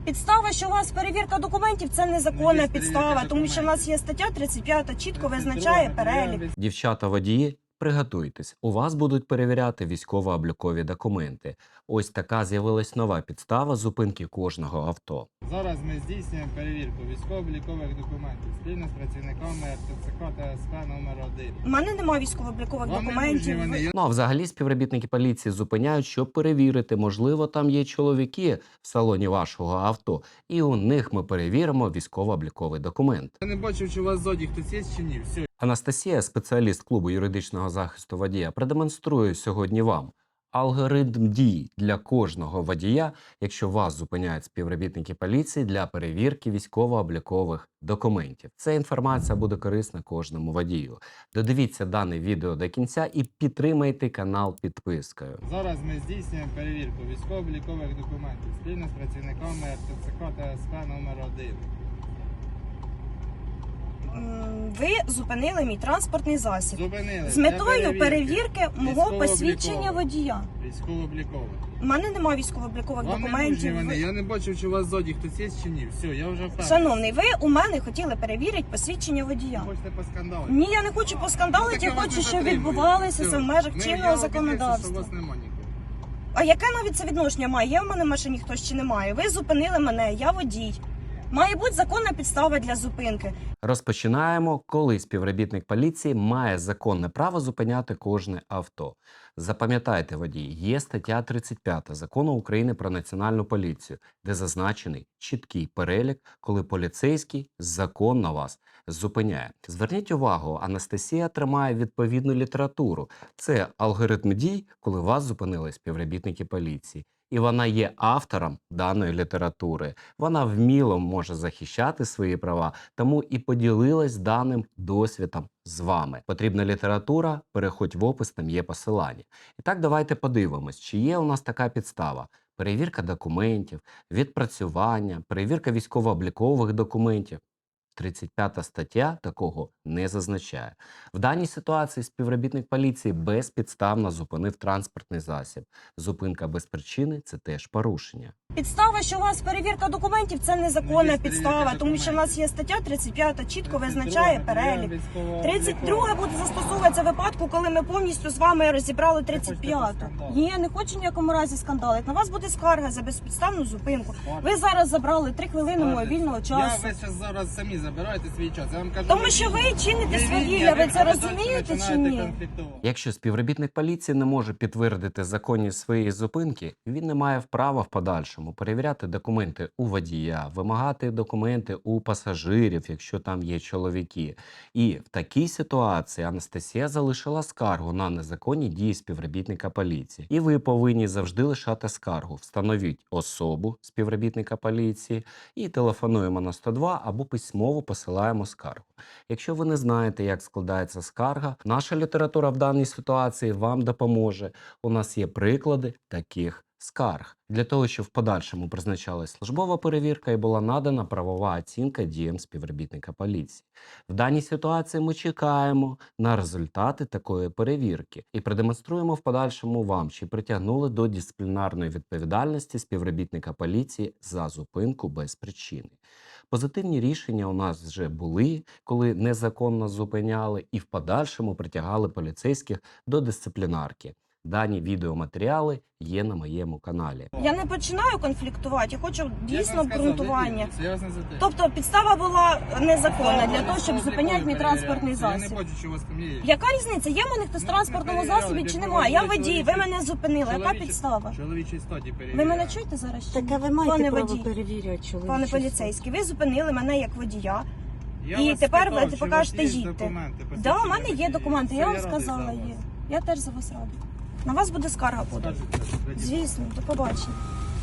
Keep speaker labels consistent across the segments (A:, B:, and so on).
A: Підстава, що у вас перевірка документів, це незаконна підстава, тому що в нас є стаття 35, чітко визначає перелік.
B: Дівчата-водії, приготуйтесь, у вас будуть перевіряти військово-облікові документи. Ось така з'явилась нова підстава зупинки кожного авто.
C: Зараз ми здійснюємо перевірку військово-облікових документів спільно з працівниками РТЦК та СП номер 1.
A: У мене немає військово-облікових
C: Вам не
A: документів.
C: нужні вони.
B: Ну а взагалі співробітники поліції зупиняють, щоб перевірити, можливо, там є чоловіки в салоні вашого авто, і у них ми перевіримо військово-обліковий документ.
C: Я не бачив, чи у вас ззаді хтось є чи ні. Все.
B: Анастасія, спеціаліст клубу юридичного захисту водія, продемонструє сьогодні вам алгоритм дій для кожного водія, якщо вас зупиняють співробітники поліції для перевірки військово-облікових документів. Ця інформація буде корисна кожному водію. Додивіться дане відео до кінця і підтримайте канал підпискою.
C: Зараз ми здійснюємо перевірку військово-облікових документів спільно з працівниками РТЦК та СП номер 1.
A: Ви зупинили мій транспортний засіб
C: Зупинили.
A: з
C: для
A: метою перевірки мого
C: Військово-облікових.
A: посвідчення водія.
C: Військово-облікових.
A: У мене немає військово-облікових
C: Вам не нужні
A: документів.
C: вони. Я не бачив, чи у вас ззаді хтось є чи ні. Все, я вже впевнений.
A: Шановний, ви у мене хотіли перевірити посвідчення водія.
C: Хочете поскандалити?
A: Ні, я не хочу поскандалити,
C: Так
A: я
C: вас не
A: хочу, щоб
C: затримую.
A: відбувалося
C: Все.
A: це в межах
C: Я
A: чинного
C: убедився, що у
A: законодавства.
C: вас нема нікого.
A: А яке навіть це відношення має? Є в мене в машині хтось чи немає? Ви зупинили мене, я водій. Має бути законна підстава для зупинки.
B: Розпочинаємо, коли співробітник поліції має законне право зупиняти кожне авто. Запам'ятайте, водії, є стаття 35 Закону України про Національну поліцію, де зазначений чіткий перелік, коли поліцейський законно вас зупиняє. Зверніть увагу, Анастасія тримає відповідну літературу. Це алгоритм дій, коли вас зупинили співробітники поліції. І вона є автором даної літератури. Вона вміло може захищати свої права, тому і поділилась даним досвідом з вами. Потрібна література, переходь в опис, там є посилання. І так давайте подивимось, чи є у нас така підстава. Перевірка документів, відпрацювання, перевірка військово-облікових документів. 35 стаття такого не зазначає. В даній ситуації співробітник поліції безпідставно зупинив транспортний засіб. Зупинка без причини – це теж порушення.
A: Підстава, що у вас перевірка документів, це незаконна
C: Є
A: підстава,
C: перевірка
A: тому що в нас є стаття 35, чітко визначає перелік. 32 буде застосовуватися в випадку, коли ми повністю з вами розібрали 35-ту. Ні, я не хочу в ніякому разі скандалити. На вас буде скарга за безпідставну зупинку. Ви зараз забрали 3 хвилини мого вільного часу.
C: Ви зараз самі забираєте свій час. Я вам кажу,
A: Тому що ви чините свавілля, ви це розумієте чи ні?
B: Якщо співробітник поліції не може підтвердити законність своєї зупинки, він не має права в подальшому перевіряти документи у водія, вимагати документи у пасажирів, якщо там є чоловіки. І в такій ситуації Анастасія залишила скаргу на незаконні дії співробітника поліції. І ви повинні завжди лишати скаргу. Встановіть особу співробітника поліції і телефонуємо на 102 або письмово посилаємо скаргу. Якщо ви не знаєте, як складається скарга, наша література в даній ситуації вам допоможе. У нас є приклади таких скарг. Для того, щоб в подальшому призначалась службова перевірка і була надана правова оцінка діям співробітника поліції. В даній ситуації ми чекаємо на результати такої перевірки і продемонструємо в подальшому вам, чи притягнули до дисциплінарної відповідальності співробітника поліції за зупинку без причини. Позитивні рішення у нас вже були, коли незаконно зупиняли і в подальшому притягали поліцейських до дисциплінарки. Дані відеоматеріали є на моєму каналі.
A: Я не починаю конфліктувати, я хочу дійсно обґрунтування.
C: Я вас не затримую.
A: Тобто підстава була незаконна для того, щоб зупиняти мій транспортний
C: Я не
A: засіб.
C: бачу, що у вас там є.
A: Яка різниця? Є в мене хтось в транспортному засобі чи немає? Я водій, ви мене зупинили. Яка підстава?
C: Чоловічій статі перевіряю.
A: Ви мене чуєте зараз? чи ні?
D: Так, а ви маєте
A: Пане
D: право
A: водій,
D: перевіряти чоловічий
A: пане
D: стан.
A: поліцейський, ви зупинили мене як водія.
C: Я
A: І
C: вас
A: тепер
C: спитав,
A: ви
C: чи у
A: покажете,
C: вас є
A: їдьте.
C: документи,
A: Да, у мене є
C: посвідчення
A: документи,
C: водія.
A: я вам
C: Все, радий
A: сказала,
C: за
A: є.
C: вас.
A: Я теж за вас рада. На вас буде скарга буде.
C: Скажете, тоді.
A: Звісно, до побачення.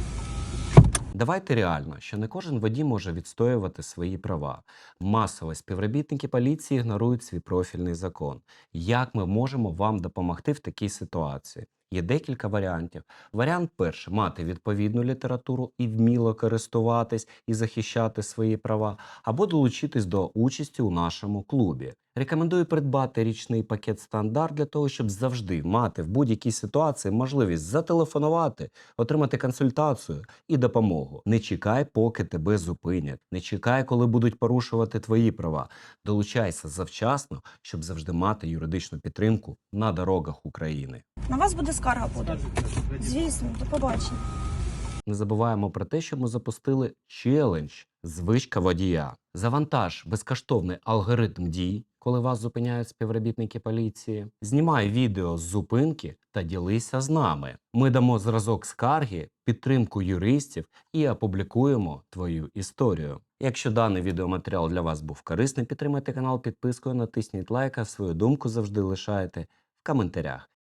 B: Давайте реально, що не кожен водій може відстоювати свої права. Масово співробітники поліції ігнорують свій профільний закон. Як ми можемо вам допомогти в такій ситуації? Є декілька варіантів. Варіант перший – мати відповідну літературу і вміло користуватись і захищати свої права, або долучитись до участі у нашому клубі. Рекомендую придбати річний пакет «Стандарт» для того, щоб завжди мати в будь-якій ситуації можливість зателефонувати, отримати консультацію і допомогу. Не чекай, поки тебе зупинять. Не чекай, коли будуть порушувати твої права. Долучайся завчасно, щоб завжди мати юридичну підтримку на дорогах України.
A: На вас буде скарга буде.
C: Скажете,
A: Звісно, до побачення.
B: Не забуваємо про те, що ми запустили челендж «Звичка водія». Завантаж безкоштовний алгоритм дій, коли вас зупиняють співробітники поліції. Знімай відео з зупинки та ділися з нами. Ми дамо зразок скарги, підтримку юристів і опублікуємо твою історію. Якщо даний відеоматеріал для вас був корисний, підтримайте канал підпискою, натисніть лайк, а свою думку завжди лишайте в коментарях.